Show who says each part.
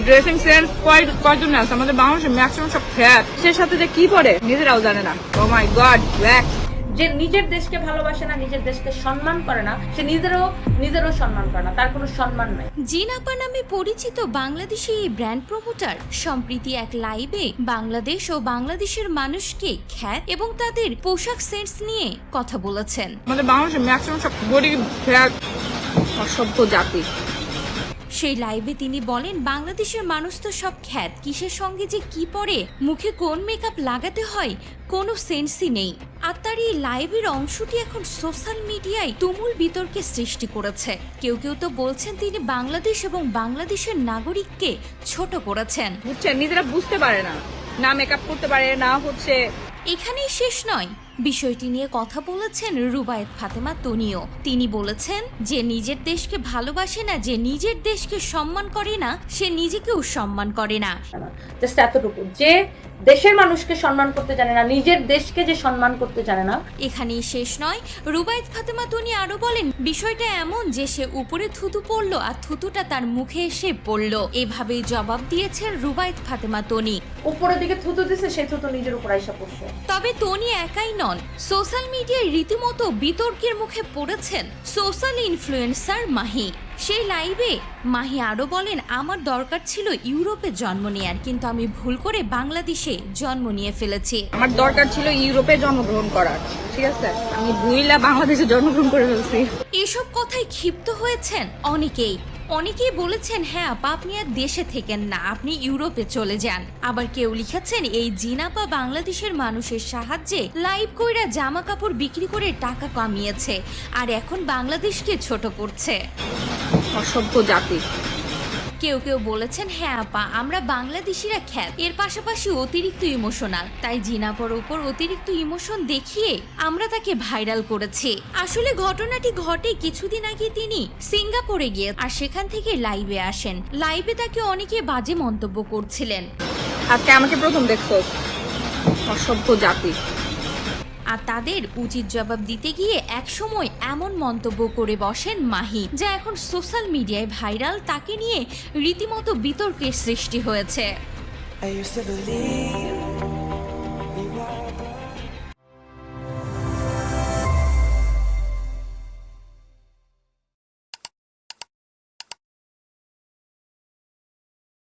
Speaker 1: Dressing sense কয়জন আছে আমাদের বাংলাদেশে? ম্যাক্সিমাম সব ফ্যাট। সে সাথে যে কি পরে নিজেরাও জানে না। Oh my god, black.
Speaker 2: যে নিজের দেশকে ভালোবাসে না, নিজের দেশকে সম্মান করে না, সে নিজেরও সম্মান করে না, তার কোনো সম্মান নাই।
Speaker 3: জিন আপা নামে পরিচিত বাংলাদেশি এই ব্র্যান্ড প্রমোটার সম্প্রতি এক লাইভে বাংলাদেশ ও বাংলাদেশের মানুষকে খ্যাত এবং তাদের পোশাক সেন্স নিয়ে কথা বলেছেন।
Speaker 1: আমাদের বাংলাদেশে ম্যাক্সিমাম সব গরিব, ফ্যাট, অসভ্য জাতি।
Speaker 3: সেই লাইভে তিনি বলেন, বাংলাদেশের মানুষ তো সব খ্যাত, কিসের সঙ্গে যে কি পরে, মুখে কোন মেকআপ লাগাতে হয় কোনো সেন্সই নেই। আর তার এই লাইভের অংশটি এখন সোশ্যাল মিডিয়ায় তুমুল বিতর্কের সৃষ্টি করেছে। কেউ কেউ তো বলছেন তিনি বাংলাদেশ এবং বাংলাদেশের নাগরিককে ছোট করেছেন।
Speaker 1: বুঝছেন, নিজেরা বুঝতে পারে না, না মেকআপ করতে পারে না হচ্ছে।
Speaker 3: এখানেই শেষ নয়, বিষয়টি নিয়ে কথা বলেছেন রুবায়েত ফাতেমা তনিও। তিনি বলেছেন যে নিজের দেশকে ভালোবাসে না, যে নিজের দেশকে সম্মান করে না, সে নিজেকেও সম্মান করে না।
Speaker 2: জাস্ট এতটুকু, যে দেশের মানুষকে সম্মান করতে জানে না, নিজের দেশকে যে সম্মান করতে জানে না।
Speaker 3: এখানেই শেষ নয়, রুবায়েত ফাতেমা তনি আরো বলেন, বিষয়টা এমন যে সে উপরে থুতু পড়লো আর থুতুটা তার মুখে এসে পড়লো। এভাবেই জবাব দিয়েছেন রুবায়েত ফাতেমা তনি।
Speaker 2: উপরের দিকে থুতু দিছে, সে থুতু নিজের উপর আইসা পড়ছে।
Speaker 3: তবে তনি একাই নন, সোশ্যাল মিডিয়ায় রীতিমতো বিতর্কের মুখে পড়েছেন সোশ্যাল ইনফ্লুয়েন্সার মাহি। সেই লাইভে মাহি আরো বলেন, আমার দরকার ছিল ইউরোপে জন্ম নেয়ার, কিন্তু আমি ভুল করে বাংলাদেশে জন্ম নিয়ে ফেলেছি।
Speaker 1: আমার দরকার ছিল ইউরোপে জন্মগ্রহণ করার, ঠিক আছে, আমি ভুইলা বাংলাদেশে জন্মগ্রহণ করে ফেলছি।
Speaker 3: এসব কথায় ক্ষিপ্ত হয়েছেন অনেকেই বলেছেন, হ্যাঁ আপা, আপনি আর দেশে থেকেন না, আপনি ইউরোপে চলে যান। আবার কেউ লিখেছেন, এই জিনাপা বাংলাদেশের মানুষের সাহায্যে লাইভ কইরা জামা কাপড় বিক্রি করে টাকা কামিয়েছে, আর এখন বাংলাদেশকে ছোট করছে।
Speaker 1: অসভ্য জাতি।
Speaker 3: কেউ কেউ বলেছেন, হ্যাঁ আপা, আমরা বাংলাদেশিরা খ্যাত, এর পাশাপাশি অতিরিক্ত ইমোশনাল, তাই জিনাপার উপর অতিরিক্ত ইমোশন দেখিয়ে আমরা তাকে ভাইরাল করেছি। আসলে ঘটনাটি ঘটে কিছুদিন আগে তিনি সিঙ্গাপুরে গিয়ে আর সেখান থেকে লাইভে আসেন। লাইভে তাকে অনেকে বাজে মন্তব্য করছিলেন।
Speaker 1: আজকে আমাকে প্রথম দেখছো, অসভ্য জাতি।
Speaker 3: আর তাদের উচিত জবাব দিতে গিয়ে একসময় এমন মন্তব্য করে বসেন মাহি, যা এখন সোশ্যাল মিডিয়ায় ভাইরাল। তাকে নিয়ে রীতিমতো বিতর্কের সৃষ্টি হয়েছে।
Speaker 4: I used to believe